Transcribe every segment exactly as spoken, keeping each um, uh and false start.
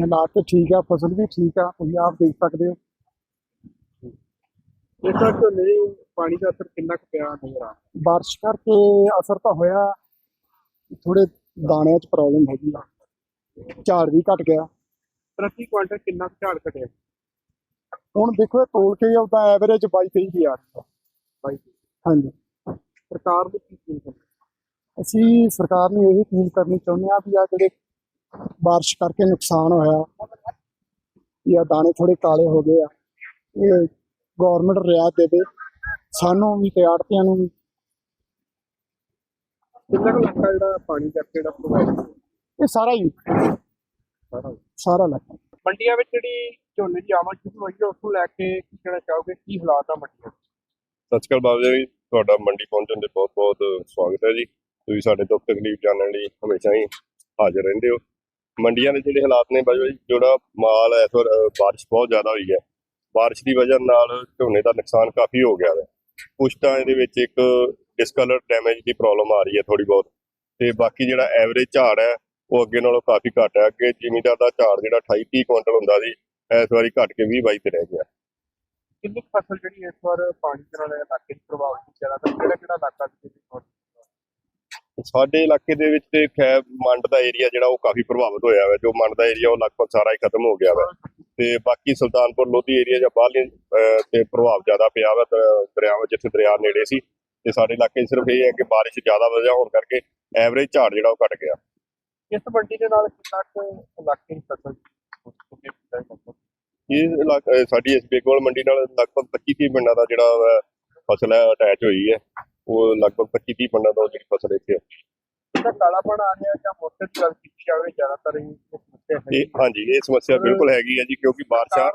हालात तो ठीक है, फसल भी ठीक है, तुम आप देख सकते हो। ਇਸ ਵਾਰ ਝੋਨੇ ਦੇ ਪਾਣੀ ਦਾ ਅਸਰ ਕਿੰਨਾ ਕੁ ਪਿਆ ਨਜ਼ਰ ਆ ਰਿਹਾ? बारिश करके असर तो होया, थोड़े दाने च प्रॉब्लम हैगी आ, झाड़ भी घट गया। ਪ੍ਰਤੀ ਕੁਆਂਟਲ ਕਿੰਨਾ ਕੁ ਝਾੜ ਘਟਿਆ? ਹੁਣ ਦੇਖੋ ਤੋਲ ਕੇ ਉਹਦਾ ਐਵਰੇਜ ਬਾਈ ਤੇਈ ਦੀ ਆ ਰਹੀ ਹੈ। ਬਾਈ ਹਾਂਜੀ, ਸਰਕਾਰ ਨੂੰ ਕੀ ਅਪੀਲ ਕਰਨੀ? ਅਸੀਂ ਸਰਕਾਰ ਨੂੰ ਇਹ ਅਪੀਲ ਕਰਨੀ ਚਾਹੁੰਦੇ ਹਾਂ ਵੀ ਆ ਜਿਹੜੇ ਬਾਰਿਸ਼ ਕਰਕੇ ਨੁਕਸਾਨ ਹੋਇਆ, ਜਾਂ ਦਾਣੇ ਥੋੜੇ ਕਾਲੇ ਹੋ ਗਏ ਆ, ਇਹ ਗੌਰਮੈਂਟ ਰਿਆਇਤ ਦੇਵੇ ਸਾਨੂੰ ਵੀ ਤੇ ਆੜ੍ਹਤੀਆਂ ਨੂੰ ਵੀ। ਕਿੰਨਾ ਕੁ ਲੱਗਾ ਜਿਹੜਾ ਪਾਣੀ ਕਰਕੇ ਜਿਹੜਾ ਪ੍ਰੋਵਾਈਡ ਇਹ ਸਾਰਾ ਹੀ ਸਾਰਾ? ਸਾਰਾ ਲੱਗਾ। ਮੰਡੀਆਂ ਵਿੱਚ ਜਿਹੜੀ ਝੋਨੇ ਦੀ ਆਮਦ ਸ਼ੁਰੂ ਹੋਈ ਹੈ ਉਸ ਨੂੰ ਲੈ ਕੇ ਕੀ ਕਹਿਣਾ ਚਾਹੋਗੇ, ਕੀ ਹਾਲਾਤ ਆ ਮੰਡੀਆਂ? ਸਤਿ ਸ਼੍ਰੀ ਅਕਾਲ ਬਾਬਾ ਜੀ, ਤੁਹਾਡਾ ਮੰਡੀ ਪਹੁੰਚਣ ਦੇ ਬਹੁਤ ਬਹੁਤ ਸਵਾਗਤ ਹੈ ਜੀ। ਤੁਸੀਂ ਸਾਡੇ ਦੁੱਖ ਤਕਲੀਫ ਜਾਣਨ ਲਈ ਹਮੇਸ਼ਾ ਹੀ ਹਾਜ਼ਰ ਰਹਿੰਦੇ ਹੋ। ਮੰਡੀਆਂ ਦੇ ਜਿਹੜੇ ਹਾਲਾਤ ਨੇ ਬਾਬਾ ਜੀ, ਜਿਹੜਾ ਮਾਲ ਹੈ ਇਸ ਵਾਰ ਬਾਰਿਸ਼ ਬਹੁਤ ਜ਼ਿਆਦਾ ਹੋਈ ਹੈ, ਬਾਰਿਸ਼ ਦੀ ਵਜ੍ਹਾ ਨਾਲ ਝੋਨੇ ਦਾ ਨੁਕਸਾਨ ਕਾਫੀ ਹੋ ਗਿਆ ਹੈ। ਕੁਛ ਤਾਂ ਇਹਦੇ ਵਿੱਚ ਇੱਕ ਡਿਸਕਲਰ ਡੈਮੇਜ ਦੀ ਪ੍ਰੋਬਲਮ ਆ ਰਹੀ ਹੈ ਥੋੜੀ ਬਹੁਤ, ਤੇ ਬਾਕੀ ਜਿਹੜਾ ਐਵਰੇਜ ਝਾੜ ਹੈ ਉਹ ਅੱਗੇ ਨਾਲੋਂ ਕਾਫੀ ਘੱਟ ਹੈ। ਅੱਗੇ ਜ਼ਿਮੀਂਦਾਰ ਦਾ ਝਾੜ ਜਿਹੜਾ ਅਠਾਈ ਤੀਹ ਕੁਇੰਟਲ ਹੁੰਦਾ ਸੀ, ਇਸ ਵਾਰੀ ਘੱਟ ਕੇ ਵੀਹ ਬਾਈ ਤੇ ਰਹਿ ਗਿਆ। ਕਿੰਨੀ ਕੁ ਫਸਲ ਜਿਹੜੀ ਇਸ ਵਾਰ ਪਾਣੀ ਦੇ ਨਾਲ ਇਲਾਕੇ 'ਚ ਪ੍ਰਭਾਵਿਤ ਜ਼ਿਆਦਾਤਰ ਕਿਹੜਾ ਕਿਹੜਾ ਇਲਾਕਾ ਸੀ? ਸਾਡੇ ਇਲਾਕੇ ਦੇ ਵਿੱਚ ਤੇ ਖੈਰ ਮੰਡ ਦਾ ਏਰੀਆ ਜਿਹੜਾ ਉਹ ਕਾਫੀ ਪ੍ਰਭਾਵਿਤ ਹੋਇਆ ਹੈ। ਜੋ ਮੰਡ ਦਾ ਏਰੀਆ ਉਹ ਲਗਭਗ ਸਾਰਾ ਹੀ ਖਤਮ ਹੋ ਗਿਆ ਵਾ, ਤੇ ਬਾਕੀ ਸੁਲਤਾਨਪੁਰ ਲੋਧੀ ਏਰੀਆ ਜਾਂ ਬਾਹਰਲੇ ਤੇ ਪ੍ਰਭਾਵ ਜ਼ਿਆਦਾ ਪਿਆ ਵਾ ਦਰਿਆਵਾਂ, ਜਿੱਥੇ ਦਰਿਆ ਨੇੜੇ ਸੀ। ਤੇ ਸਾਡੇ ਇਲਾਕੇ 'ਚ ਸਿਰਫ ਇਹ ਹੈ ਕਿ ਬਾਰਿਸ਼ ਜ਼ਿਆਦਾ ਵਜ੍ਹਾ ਹੋਣ ਕਰਕੇ ਐਵਰੇਜ ਝਾੜ ਜਿਹੜਾ ਉਹ ਘਟ ਗਿਆ। ਇਸ ਮੰਡੀ ਦੇ ਨਾਲ ਕਿੰਨਾ ਕੁ ਇਲਾਕੇ ਦੀ ਫਸਲ ਇਹ ਇਲਾਕਾ ਸਾਡੀ ਇਸ ਬੇਗੋਲ ਮੰਡੀ ਨਾਲ ਲਗਭਗ ਪੱਚੀ ਤੀਹ ਪਿੰਡਾਂ ਦਾ ਜਿਹੜਾ ਫਸਲ ਹੈ ਅਟੈਚ ਹੋਈ ਹੈ। ਉਹ ਲਗਭਗ ਪੱਚੀ ਤੀਹ ਪਿੰਡਾਂ ਦਾ ਜਿਹੜੀ ਫਸਲ ਇੱਥੇ ਹੈ। ਇਹਦਾ ਕਾਲਾਪਣ ਆ ਰਿਹਾ ਜਾਂ ਮੌਸਮ ਦੀ ਗੱਲ ਕੀਤੀ ਜਾਵੇ, ਜ਼ਿਆਦਾਤਰ ਇਹ ਸਮੱਸਿਆ ਹੈ? ਇਹ ਹਾਂਜੀ, ਇਹ ਸਮੱਸਿਆ ਬਿਲਕੁਲ ਹੈਗੀ ਹੈ ਜੀ, ਕਿਉਂਕਿ ਬਾਰਿਸ਼ਾਂ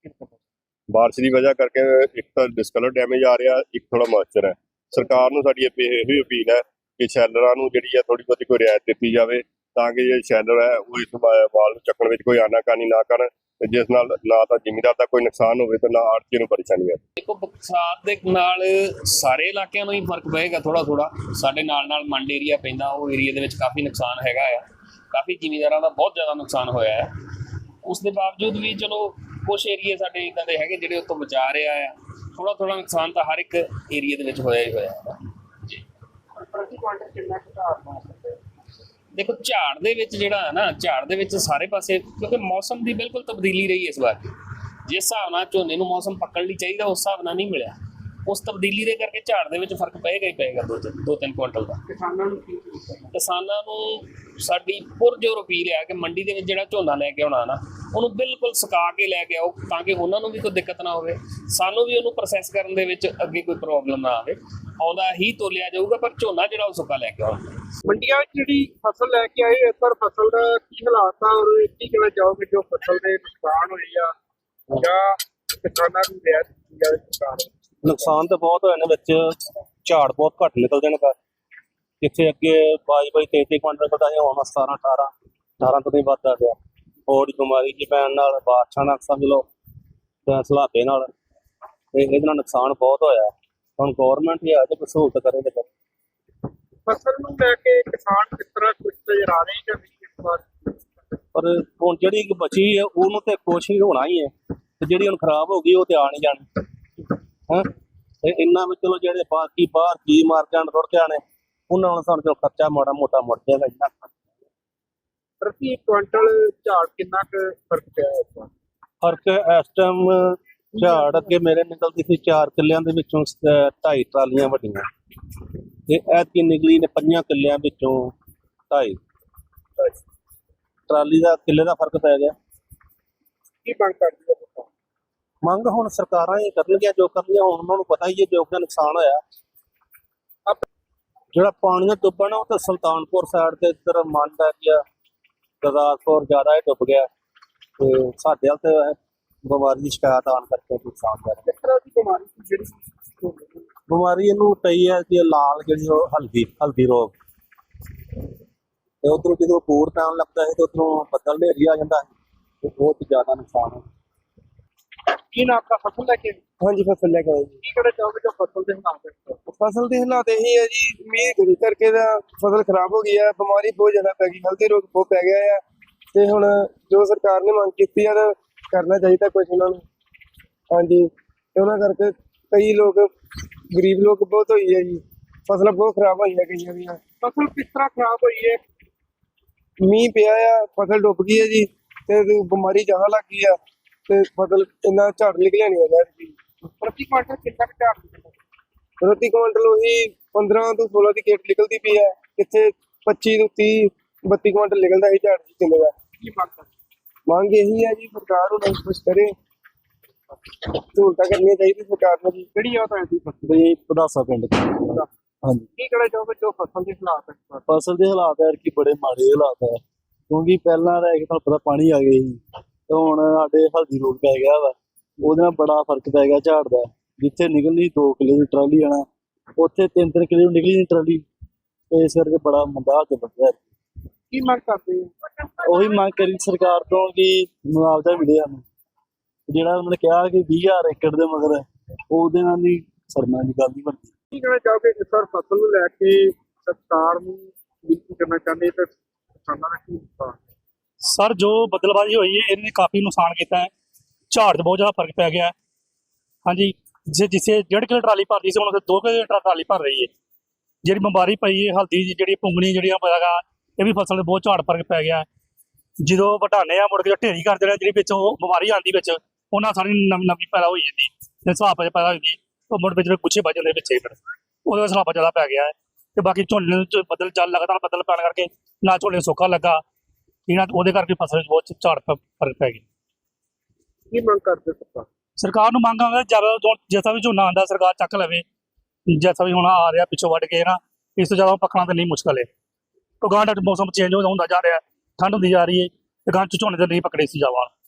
ਬਾਰਿਸ਼ ਦੀ ਵਜ੍ਹਾ ਕਰਕੇ ਇੱਕ ਤਾਂ ਡਿਸਕਲਰ ਡੈਮੇਜ ਆ ਰਿਹਾ, ਇੱਕ ਥੋੜਾ ਮੋਇਸਚਰ ਹੈ। ਸਰਕਾਰ ਨੂੰ ਸਾਡੀ ਇਹ ਵੀ ਅਪੀਲ ਹੈ ਕਿ ਸ਼ੈਲਰਾਂ ਨੂੰ ਜਿਹੜੀ ਹੈ ਥੋੜੀ ਬਹੁਤੀ ਕੋਈ ਰਿਆਇਤ ਦਿੱਤੀ ਜਾਵੇ, ਤਾਂ ਕਿ ਜਿਹੜੇ ਸ਼ੈਲਰ ਹੈ ਉਹ ਇਸ ਮਾਲ ਨੂੰ ਚੱਕਣ ਵਿੱਚ ਕੋਈ ਆਨਾਕਾਨੀ ਨਾ ਕਰਨ, ਜਿਸ ਨਾਲ ਨਾ ਤਾਂ ਜ਼ਿਮੀਂਦਾਰ ਦਾ ਕੋਈ ਨੁਕਸਾਨ ਹੋਵੇ ਤੇ ਨਾ ਆੜ੍ਹਤੀਏ ਨੂੰ ਪਰੇਸ਼ਾਨੀ ਆਵੇ। ਦੇਖੋ, ਬਰਸਾਤ ਦੇ ਨਾਲ ਸਾਰੇ ਇਲਾਕਿਆਂ ਨੂੰ ਹੀ ਫਰਕ ਪਏਗਾ ਥੋੜਾ ਥੋੜਾ। ਸਾਡੇ ਨਾਲ ਨਾਲ ਮੰਡ ਏਰੀਆ ਪੈਂਦਾ, ਉਹ ਏਰੀਆ ਦੇ ਵਿੱਚ ਕਾਫੀ ਨੁਕਸਾਨ ਹੈਗਾ ਆ, ਕਾਫੀ ਜ਼ਿਮੀਂਦਾਰਾਂ ਦਾ ਬਹੁਤ ਜ਼ਿਆਦਾ ਨੁਕਸਾਨ ਹੋਇਆ ਹੈ। ਉਸ ਦੇ ਬਾਵਜੂਦ ਵੀ ਚਲੋ ਕੁਛ ਏਰੀਏ ਸਾਡੇ ਇੱਦਾਂ ਦੇ ਹੈਗੇ ਜਿਹੜੇ ਉੱਥੋਂ ਬਚਾ ਰਿਹਾ ਆ। ਥੋੜਾ ਥੋੜਾ ਨੁਕਸਾਨ ਤਾਂ ਹਰ ਇੱਕ ਏਰੀਏ ਦੇ ਵਿੱਚ ਹੋਇਆ ਹੀ ਹੋਇਆ ਹੈ ਜੀ। ਪ੍ਰਤੀ ਕੁਆਂਟਲ ਕਿੰਨਾ ਕੁ ਝਾੜ ਪਾ ਸਕਦੇ? ਦੇਖੋ, ਝਾੜ ਦੇ ਵਿੱਚ ਜਿਹੜਾ ਹੈ ਨਾ, ਝਾੜ ਦੇ ਵਿੱਚ ਸਾਰੇ ਪਾਸੇ, ਕਿਉਂਕਿ ਮੌਸਮ ਦੀ ਬਿਲਕੁਲ ਤਬਦੀਲੀ ਰਹੀ ਇਸ ਵਾਰ। ਜਿਸ ਹਿਸਾਬ ਨਾਲ ਝੋਨੇ ਨੂੰ ਮੌਸਮ ਪੱਕਣ ਲਈ ਚਾਹੀਦਾ, ਉਸ ਹਿਸਾਬ ਨਾਲ ਨਹੀਂ ਮਿਲਿਆ। ਉਸ ਤਬਦੀਲੀ ਦੇ ਕਰਕੇ ਝਾੜ ਦੇ ਵਿੱਚ ਫਰਕ ਪਏਗਾ ਹੀ ਪਏਗਾ, ਦੋ ਤਿੰਨ ਦੋ ਤਿੰਨ ਕੁਇੰਟਲ ਦਾ। ਕਿਸਾਨਾਂ ਨੂੰ ਕੀ? ਕਿਸਾਨਾਂ ਨੂੰ ਸਾਡੀ ਪੁਰਜੋਰ ਅਪੀਲ ਹੈ ਕਿ ਮੰਡੀ ਦੇ ਵਿੱਚ ਜਿਹੜਾ ਝੋਨਾ ਲੈ ਕੇ ਆਉਣਾ ਨਾ, ਉਹਨੂੰ ਬਿਲਕੁਲ ਸੁਕਾ ਕੇ ਲੈ ਕੇ ਆਓ, ਤਾਂ ਕਿ ਉਹਨਾਂ ਨੂੰ ਵੀ ਕੋਈ ਦਿੱਕਤ ਨਾ ਹੋਵੇ, ਸਾਨੂੰ ਵੀ ਉਹਨੂੰ ਪ੍ਰੋਸੈਸ ਕਰਨ ਦੇ ਵਿੱਚ ਅੱਗੇ ਕੋਈ ਪ੍ਰੋਬਲਮ ਨਾ ਆਵੇ। ਆਉਂਦਾ ਹੀ ਤੋਲਿਆ ਜਾਊਗਾ, ਪਰ ਝੋਨਾ ਜਿਹੜਾ ਉਹ ਸੁੱਕਾ ਲੈ ਕੇ ਆਉਣਾ। ਮੰਡੀਆਂ ਵਿੱਚ ਜਿਹੜੀ ਫਸਲ ਲੈ ਕੇ ਆਏ, ਇਸ ਵਾਰ ਫਸਲ ਦਾ ਕੀ ਹਾਲਾਤ ਆ, ਔਰ ਕੀ ਕਹਿਣਾ ਚਾਹੋਗੇ ਜੋ ਫਸਲ ਦੇ ਨੁਕਸਾਨ ਹੋਏ ਆ, ਜਾਂ ਕਿਸਾਨਾਂ ਨੂੰ ਰਿਆਇਤ ਦਿੱਤੀ ਜਾਵੇ ਸਰਕਾਰ? ਨੁਕਸਾਨ ਤਾਂ ਬਹੁਤ ਹੋਏ ਨੇ, ਵਿੱਚ ਝਾੜ ਬਹੁਤ ਘੱਟ ਨਿਕਲਦੇ ਨੇ। ਜਿੱਥੇ ਅੱਗੇ ਬਾਈ ਬਾਈ ਤੇਈ ਤੇਈ ਕੁਇੰਟਲ ਨਿਕਲਦਾ ਸੀ, ਹੁਣ ਸਤਾਰਾਂ ਅਠਾਰਾਂ ਅਠਾਰਾਂ ਤੋਂ ਨਹੀਂ ਵੱਧਦਾ ਗਿਆ। ਹੋਰ ਬਿਮਾਰੀ ਜੀ ਪੈਣ ਨਾਲ, ਬਾਰਿਸ਼ਾਂ ਨਾਲ, ਸਮਝ ਲਓ ਸਲਾਬੇ ਨਾਲ, ਇਹਦੇ ਨਾਲ ਨੁਕਸਾਨ ਬਹੁਤ ਹੋਇਆ। ਹੁਣ ਗੌਰਮੈਂਟ ਹੀ ਆ ਜੇ ਕੋਈ ਸਹੂਲਤ ਕਰੇ ਤੇ। ਫਸਲ ਨੂੰ ਲੈ ਕੇ ਕਿਸਾਨ ਕਿਸ ਤਰ੍ਹਾਂ ਕੁਝ ਨਜ਼ਰ ਆ ਰਹੇ ਜਾਂ ਨਹੀਂ ਇਸ ਵਾਰ? ਪਰ ਹੁਣ ਜਿਹੜੀ ਬਚੀ ਹੈ ਉਹਨੂੰ ਤੇ ਕੁਛ ਹੀ ਹੋਣਾ ਹੀ ਹੈ, ਤੇ ਜਿਹੜੀ ਹੁਣ ਖਰਾਬ ਹੋ ਗਈ ਉਹ ਤੇ ਆ ਨਹੀਂ ਜਾਣੀ ਹੈ। ਤੇ ਇੰਨਾ ਵੀ ਚਲੋ ਜਿਹੜੇ ਬਾਕੀ ਬਾਹਰ ਕੀ ਮਾਰ ਜਾਣ ਰੁੜ ਜਾਣੇ, ਉਹਨਾਂ ਨੂੰ ਸਾਨੂੰ ਜੋ ਖਰਚਾ ਮਾੜਾ ਮੋਟਾ ਮੁੜ ਜਾਏਗਾ। ਇੰਨਾ ਪ੍ਰਤੀ ਕੁਇੰਟਲ ਝਾੜ ਕਿੰਨਾ ਕੁ ਫਰਕ ਪਿਆ ਇਸ ਵਾਰ? ਫਰਕ ਇਸ ਟਾਈਮ ਝਾੜ ਅੱਗੇ ਮੇਰੇ ਨਿਕਲਦੀ ਸੀ ਚਾਰ ਕਿੱਲਿਆਂ ਦੇ ਵਿੱਚੋਂ ਢਾਈ ਟਰਾਲੀਆਂ ਵੱਡੀਆਂ, ਤੇ ਐਤਕੀ ਨਿਕਲੀ ਨੇ ਪੰਜਾਂ ਕਿੱਲਿਆਂ ਵਿੱਚੋਂ ਢਾਈ ਟਰਾਲੀ ਦਾ ਕਿੱਲੇ ਦਾ ਫਰਕ ਪੈ ਗਿਆ। ਕੀ ਮੰਗ ਕਰਦੇ ਹੋ? ਮੰਗ ਹੁਣ ਸਰਕਾਰਾਂ ਹੀ ਕਰਨਗੀਆਂ ਜੋ ਕਰਨੀਆਂ। ਹੁਣ ਉਹਨਾਂ ਨੂੰ ਪਤਾ ਹੀ ਹੈ ਜੋ ਕਿ ਨੁਕਸਾਨ ਹੋਇਆ। ਜਿਹੜਾ ਪਾਣੀ ਦਾ ਡੁੱਬਾ ਨਾ, ਉਹ ਤਾਂ ਸੁਲਤਾਨਪੁਰ ਸਾਈਡ ਤੇ ਇੱਧਰ ਮੰਡ ਹੈ ਗਿਆ, ਗੁਰਦਾਸਪੁਰ ਜ਼ਿਆਦਾ ਹੀ ਡੁੱਬ ਗਿਆ, ਤੇ ਸਾਡੇ ਵੱਲ ਤੇ ਬਿਮਾਰੀ ਦੀ ਸ਼ਿਕਾਇਤ ਆਉਣ ਕਰਕੇ ਨੁਕਸਾਨ ਹੋਇਆ। ਕਿਸ ਤਰ੍ਹਾਂ ਦੀ ਬਿਮਾਰੀ ਸੀ ਜਿਹੜੀ? ਬਿਮਾਰੀ ਇਹਨੂੰ ਪਈ ਹੈ ਕਿ ਲਾਲ ਜਿਹੜੀ ਉਹ ਹਲਦੀ ਹਲਦੀ ਰੋਗ, ਤੇ ਉਧਰੋਂ ਜਦੋਂ ਬੂਰ ਪੈਣ ਲੱਗਦਾ ਹੈ ਤੇ ਉਧਰੋਂ ਬੱਦਲ ਹਨੇਰੀ ਆ ਜਾਂਦਾ ਹੈ, ਤੇ ਬਹੁਤ ਜ਼ਿਆਦਾ ਨੁਕਸਾਨ ਹੈ। ਕੀ ਨਾਮ ਦਾ ਫਸਲ ਲੈ ਕੇ? ਹਾਂਜੀ, ਫਸਲ ਲੈ ਕੇ ਆਏ ਜੀ। ਕੀ ਕਹਿਣਾ ਚਾਹੋਗੇ ਜੋ ਫਸਲ ਦੇ ਹਾਲਾਤ ਹੈ? ਫਸਲ ਦੇ ਹਾਲਾਤ ਇਹੀ ਹੈ ਜੀ, ਮੀਂਹ ਕਰਕੇ ਦਾ ਫਸਲ ਖਰਾਬ ਹੋ ਗਈ ਹੈ। ਬਿਮਾਰੀ ਬਹੁਤ ਜ਼ਿਆਦਾ ਪੈ ਗਈ, ਹਲਦੀ ਰੋਗ ਬਹੁਤ ਪੈ ਗਿਆ ਹੈ। ਤੇ ਹੁਣ ਜੋ ਸਰਕਾਰ ਨੇ ਮੰਗ ਕੀਤੀ ਆ ਤਾਂ ਕਰਨਾ ਚਾਹੀਦਾ ਕੁਝ ਉਹਨਾਂ ਨੂੰ। ਹਾਂਜੀ, ਤੇ ਉਹਨਾਂ ਕਰਕੇ ਕਈ ਲੋਕ ਗਰੀਬ ਲੋਕ ਬਹੁਤ ਹੋਈ ਹੈ ਜੀ, ਫਸਲਾਂ ਬਹੁਤ ਖਰਾਬ ਹੋਈਆਂ ਕਈਆਂ ਦੀਆਂ। ਫਸਲ ਕਿਸ ਤਰ੍ਹਾਂ ਖਰਾਬ ਹੋਈ ਹੈ? ਮੀਂਹ ਪਿਆ ਆ, ਫਸਲ ਡੁੱਬ ਗਈ ਹੈ ਜੀ, ਤੇ ਬਿਮਾਰੀ ਜ਼ਿਆਦਾ ਲੱਗ ਗਈ ਆ, ਤੇ ਫਸਲ ਇੰਨਾ ਝਾੜ ਨਿਕਲਿਆ ਨਹੀਂ ਹੈਗਾ ਜੀ। ਪ੍ਰਤੀ ਕੁਆਂਟਲ ਕਿੰਨਾ ਕੁ ਝਾੜ ਨਿਕਲਦਾ? ਪ੍ਰਤੀ ਕੁਇੰਟਲ ਉਹੀ ਪੰਦਰਾਂ ਤੋਂ ਸੋਲਾਂ ਦੀ ਗੇਟ ਨਿਕਲਦੀ ਪਈ ਹੈ, ਕਿੱਥੇ ਪੱਚੀ ਤੋਂ ਤੀਹ ਬੱਤੀ ਕੁਇੰਟਲ ਨਿਕਲਦਾ ਸੀ ਝਾੜ ਜੀ ਕਿੱਲੇ ਦਾ। ਕੀ ਮੰਗ ਕਰਦੇ? ਮੰਗ ਇਹੀ ਹੈ ਜੀ, ਸਰਕਾਰ ਉਹਨਾਂ ਨੂੰ ਕੁਛ ਕਰੇ, ਸਹੂਲਤਾਂ ਕਰਨੀਆਂ ਚਾਹੀਦੀਆਂ ਸਰਕਾਰ ਨੂੰ ਜੀ। ਕਿਹੜੀ ਆ ਤੁਹਾਡੀ ਫਸਲ? ਬਈ ਪਦਾਸਾ ਪਿੰਡ ਚ। ਹਾਂਜੀ, ਕੀ ਕਹਿਣਾ ਚਾਹੋਗੇ ਜੋ ਫਸਲ ਦੇ ਹਾਲਾਤ ਹੈ ਇਸ ਵਾਰ? ਫਸਲ ਦੇ ਹਾਲਾਤ ਹੈ ਕਿ ਬੜੇ ਮਾੜੇ ਹਾਲਾਤ ਹੈ, ਕਿਉਂਕਿ ਪਹਿਲਾਂ ਰਹਿ ਕੇ ਤੁਹਾਨੂੰ ਪਤਾ ਪਾਣੀ ਆ ਗਏ ਸੀ, ਤੇ ਹੁਣ ਸਾਡੇ ਹਲਦੀ ਰੋਗ ਪੈ ਗਿਆ ਵਾ, ਉਹਦੇ ਨਾਲ ਬੜਾ ਫਰਕ ਪੈ ਗਿਆ ਝਾੜ ਦਾ। ਜਿੱਥੇ ਨਿਕਲਣੀ ਦੋ ਕਿੱਲੇ ਦੀ ਟਰਾਲੀ ਆਣਾ, ਉੱਥੇ ਤਿੰਨ ਤਿੰਨ ਕਿੱਲੇ ਦੀ ਨਿਕਲੀ ਨਹੀਂ ਟਰਾਲੀ, ਤੇ ਇਸ ਕਰਕੇ ਬੜਾ ਮੰਦਾ ਹਾਲ ਬਣਿਆ। ਕੀ ਮੰਗ ਕਰਦੇ ਹੋ? ਉਹੀ ਮੰਗ ਕਰੀ ਸਰਕਾਰ ਤੋਂ ਕਿ ਮੁਆਵਜ਼ਾ ਮਿਲੇ ਸਾਨੂੰ, ਜਿਹੜਾ ਉਹਨਾਂ ਨੇ ਕਿਹਾ ਕਿ ਵੀਹ ਹਜ਼ਾਰ ਏਕੜ ਦੇ ਮਗਰ ਉਹਦੇ ਨਾਲ ਨਹੀਂ ਸਰਨਾ ਦੀ ਗੱਲ ਨਹੀਂ ਬਣਦੀ। ਕੀ ਕਹਿਣਾ ਚਾਹੋਗੇ ਇਸ ਵਾਰ ਫਸਲ ਨੂੰ ਲੈ ਕੇ ਸਰਕਾਰ ਨੂੰ ਬੇਨਤੀ ਕਰਨਾ ਚਾਹੁੰਦੇ ਤੇ ਕਿਸਾਨਾਂ ਦਾ ਕੀ ਨੁਕਸਾਨ? ਸਰ, ਜੋ ਬਦਲਬਾਜ਼ੀ ਹੋਈ ਹੈ ਇਹਨੇ ਕਾਫੀ ਨੁਕਸਾਨ ਕੀਤਾ ਹੈ, ਝਾੜ 'ਚ ਬਹੁਤ ਜ਼ਿਆਦਾ ਫਰਕ ਪੈ ਗਿਆ ਹੈ। ਹਾਂਜੀ, ਜੇ ਜਿਸੇ ਡੇਢ ਕਿਲੋ ਟਰਾਲੀ ਭਰਦੀ ਸੀ ਹੁਣ ਉਹ ਦੋ ਕਿਲੋ ਟਰਾਲੀ ਭਰ ਰਹੀ ਹੈ। ਜਿਹੜੀ ਬਿਮਾਰੀ ਪਈ ਹੈ ਹਲਦੀ ਦੀ, ਜਿਹੜੀ ਪੁੰਗਣੀ ਜਿਹੜੀਆਂ ਪਏਗਾ, ਇਹ ਵੀ ਫਸਲ 'ਤੇ ਬਹੁਤ ਝਾੜ ਫਰਕ ਪੈ ਗਿਆ। ਜਦੋਂ ਵਟਾਣੇ ਆ ਮੁੜ ਕੇ ਢੇਰੀ ਕਰ ਦੇਣਾ, ਜਿਹੜੀ ਵਿੱਚ ਉਹ ਬਿਮਾਰੀ ਆਉਂਦੀ ਵਿੱਚ, ਉਹਨਾਂ ਸਾਰੀ ਨਵੀਂ ਨਵੀਂ ਪੈਦਾ ਹੋਈ ਜਾਂਦੀ, ਤੇ ਸਲਾਬ ਪੈਦਾ ਹੋ ਜਾਂਦੀ, ਉਹ ਮੁੜ ਵਿੱਚ ਗੁੱਛੇ ਵੱਜ ਜਾਂਦੇ ਪਿੱਛੇ, ਫਿਰ ਉਹਦੇ ਵਿੱਚ ਸਲਾਬ ਜ਼ਿਆਦਾ ਪੈ ਗਿਆ ਹੈ। ਤੇ ਬਾਕੀ ਝੋਨੇ ਨੂੰ ਬੱਦਲ ਚੱਲ ਲਗਾਤਾਰ ਬੱਦਲ ਪੈਣ ਕਰਕੇ ਨਾ ਝੋਨੇ ਨੂੰ ਸੋਕਾ ਲੱਗਾ, ਇਹਨਾਂ ਉਹਦੇ ਕਰਕੇ ਫਸਲ ਵਿੱਚ ਬਹੁਤ ਝਾੜ ਫਰਕ ਪੈ ਗਿਆ। ਕੀ ਮੰਗ ਕਰਦੇ ਸਰਕਾਰ? ਸਰਕਾਰ ਨੂੰ ਮੰਗ ਆਉਂਦਾ ਜਿਆਦਾ ਜੈਸਾ ਵੀ ਝੋਨਾ ਆਉਂਦਾ ਸਰਕਾਰ ਚੱਕ ਲਵੇ, ਜੈਸਾ ਵੀ ਹੁਣ ਆ ਰਿਹਾ ਪਿੱਛੋਂ ਵੱਢ ਕੇ ਨਾ, ਇਸ ਤੋਂ ਜ਼ਿਆਦਾ ਪੱਕਣਾ ਤਾਂ ਨਹੀਂ ਮੁਸ਼ਕਲ ਹੈ। ਕਿਉਂਕਿ ਗਾਂ ਦਾ ਮੌਸਮ ਚੇਂਜ ਹੁੰਦਾ ਜਾ ਰਿਹਾ, ਠੰਡ ਹੁੰਦੀ ਜਾ ਰਹੀ ਹੈ, ਤੇ ਗਾਂ ਚ ਝੋਨੇ ਤੇ ਨਹੀਂ ਪਕੜੇ ਸੀ ਜਾਵਾ।